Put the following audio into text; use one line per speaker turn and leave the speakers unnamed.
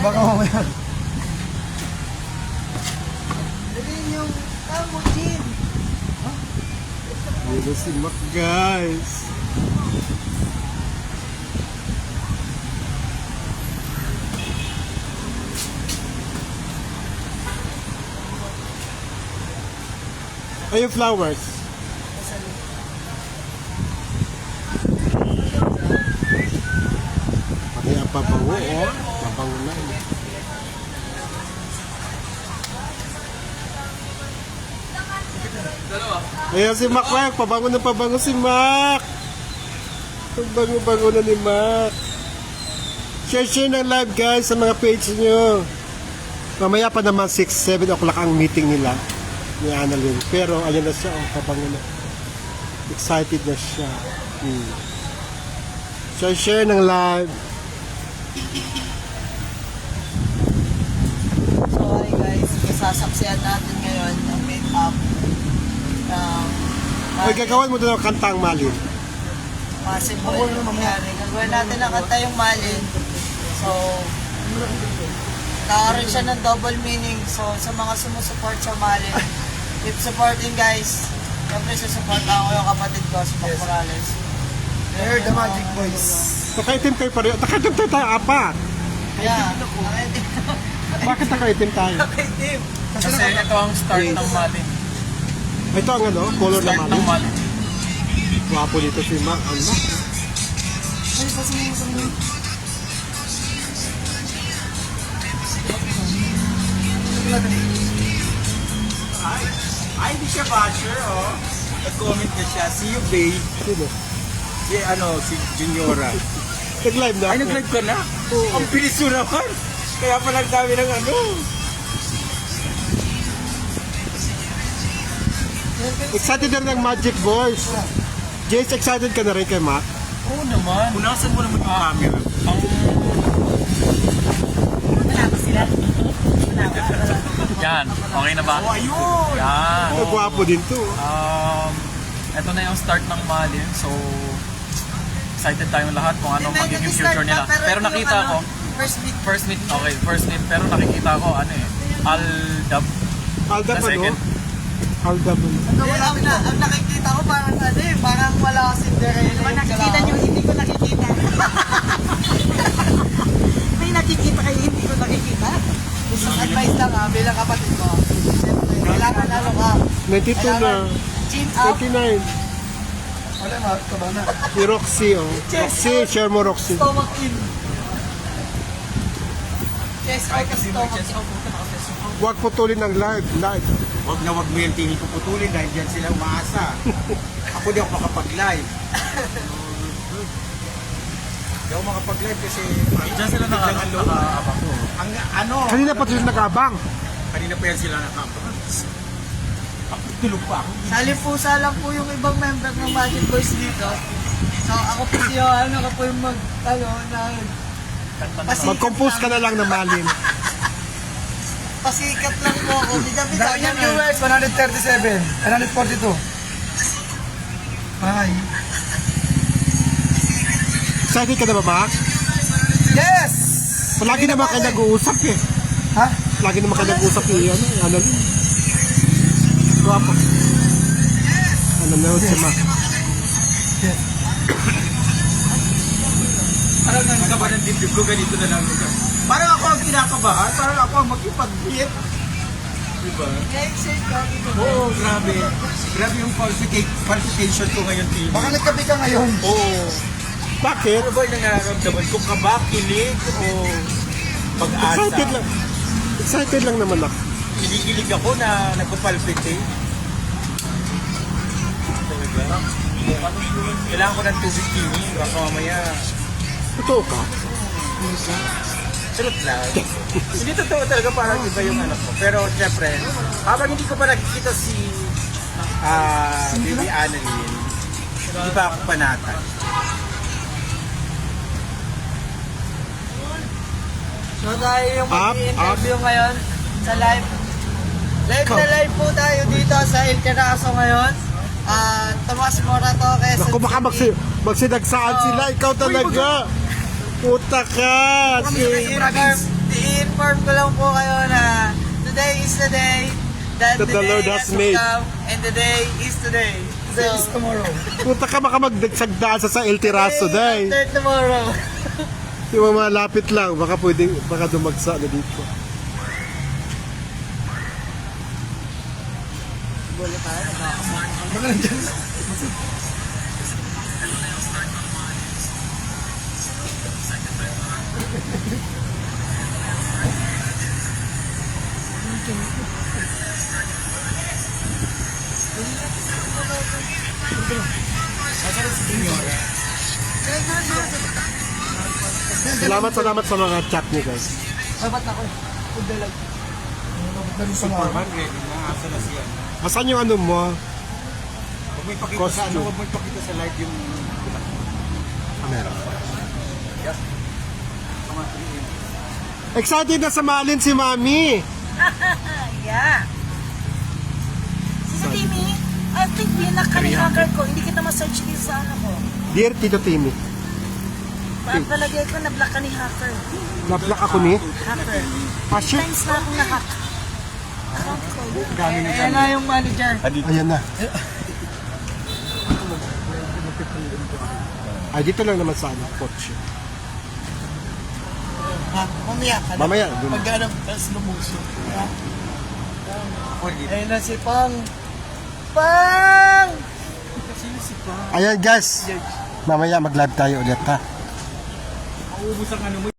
Baka mamaya.
Dalhin yung tamo, Jin.
Dito si Mac, guys. Ay, yung flowers. Pati ang pabango, oh. Pabango na. Ayan si Mac, Mac. Pabango na pabango si Mac. Pabango-bango na ni Mac. Share ng live, guys, sa mga page nyo. Mamaya pa naman 6-7 o'clock ang meeting nila ni Annalyn. Pero ayan na siya, oh, pabango na. Excited na siya. Share ng live.
So, hi guys. Masasaksihan natin ngayon ang make-up ng
Ay, gagawin mo doon ang kantang Malin.
possible yung mangyari. Gagawin natin ang kanta yung Malin. So, nakaroon siya ng double meaning. So, sa mga sumusuport sa Malin, keep supporting guys. Siyempre, susuportahan ko yung kapatid ko, si Mac Morales.
They're the Magic Boys.
Nakaitim kayo pareho. Nakaitim tayo, apat.
Yeah.
Bakit nakaitim tayo?
Nakaitim.
Kasi ito ang start ng Malin.
Ito ang ano, color na
Start ng
Malin.
Malin.
Wapo dito si Mac. Ano?
Ay, hindi siya basher, oh. Nag-comment na siya. See you, babe.
Sino?
Si Juniora.
Nag-live na
Ay,
ako.
nag-live ka na? Ang bilis mo naman. Kaya pala ang dami ng ano.
Excited na ng Magic Boys. Jace, excited ka na rin kay Mac?
Oo naman. Punasan mo naman yung camera. Yan, okay na ba? Oh, ayun! Yan.
Oh, gwapo din to.
Ito na yung start ng Malin. So, excited tayong lahat kung anong magiging future nila. Pero nakita ko,
First meet.
first meet. Pero nakikita ko, Aldab.
Aldab
The
ano?
second.
Aldab ano?
Ang nakikita ko parang parang wala ka Cinderella.
Nakikita nyo, hindi ko nakikita. May nakikita kayo, hindi ko nakikita.
Isang advice lang bilang kapatid ko. Siyempre, kailangan ka.
92 na.
Chin up.
99.
Wala, taba na.
Si Roxy, oh. Roxy, share mo Roxy.
Stomach in. Chest out, stomach in.
Huwag putulin ng live. Live.
Wag na wag mo yung tingin ko putulin dahil dyan sila umaasa. Ako di ako makapag-live. Di ako makapag-live kasi dyan sila nakaabang. Ang ano,
Kanina pa sila nag-abang.
kanina pa yan sila nakabang. Ako tulog pa ako.
Salipusa lang po yung ibang member ng Magic Boys dito. So ako po si Johan, ako po yung
Mag-compose ka na lang ng Malin.
pasikat lang po ako. Bida-bida
Dami
yan
yung viewers, 137, 142. Ay.
Excited ka na ba, Mac?
Yes!
Palagi naman kayo nag-uusap eh.
Ha?
Lagi naman kayo nag-uusap eh. Ano din? Guwapo. Ano na si Mac?
Yes.
Parang nangkaba ng dibdib ko, ganito na lang. Parang ako ang kinakabahan, parang ako ang magkipag-hit. Diba? Oo, grabe. Grabe yung qualification ko ngayon, team.
Baka nagkape ka ngayon.
Oo.
Bakit?
Ano ba yung nararamdaman ko? Kaba, kilig, o pag-asa?
Excited lang. Excited lang naman ako.
Kinikilig ako na nagpapalpitate. Talaga? Kailangan ko ng tubig kini. Baka mamaya,
Totoo ka?
truth lang. Hindi totoo talaga, parang iba yung anak ko. Pero syempre, habang hindi ko pa nakikita si Baby Annalyn, hindi pa ako panatan.
So tayo yung
Up,
mag-i-interview ngayon sa live. Live na live po tayo dito sa El Carazo ngayon. Tomas Morato, Quezon
Naku, baka
City.
magsinagsaan sila. Ikaw talaga. Puta ka.
Si i-inform ko lang po kayo na today is the day that
That the Lord has made.
come, and the day is today.
Today is tomorrow.
Punta ka baka magdagsagdaan sa El Tiraso, day.
After tomorrow.
Yung mga malapit lang, baka pwedeng, baka dumagsa na dito.
Baka nandiyan.
Salamat sa mga chat niyo, guys.
Dapat ako. Food delight. Ganun pa nga.
Superman, ready na. Asa na siya.
Asan yung ano mo?
Huwag mo ipakita sa
Costume.
huwag mo ipakita sa live yung
Camera. Excited na samalin si Mami.
Yeah. Sino Timmy? I think binak ka ni hacker ko. Hindi kita ma-search din sa ano ko.
Dear Tito Timmy,
Palagay ko na-block ka ni hacker.
nablock ako ni
Hacker.
Passion.
Times na akong na-hack. Account ko.
Ayan na yung manager.
Ayan na. Ay, dito lang naman sa ano, kotse.
Ha? Mamaya ka na.
Mamaya, dun.
Maghanap ka sa lumuso. Ayun na si Pang. Pang!
Ayan guys, mamaya mag-live tayo ulit ha.
maubos ang ano mo.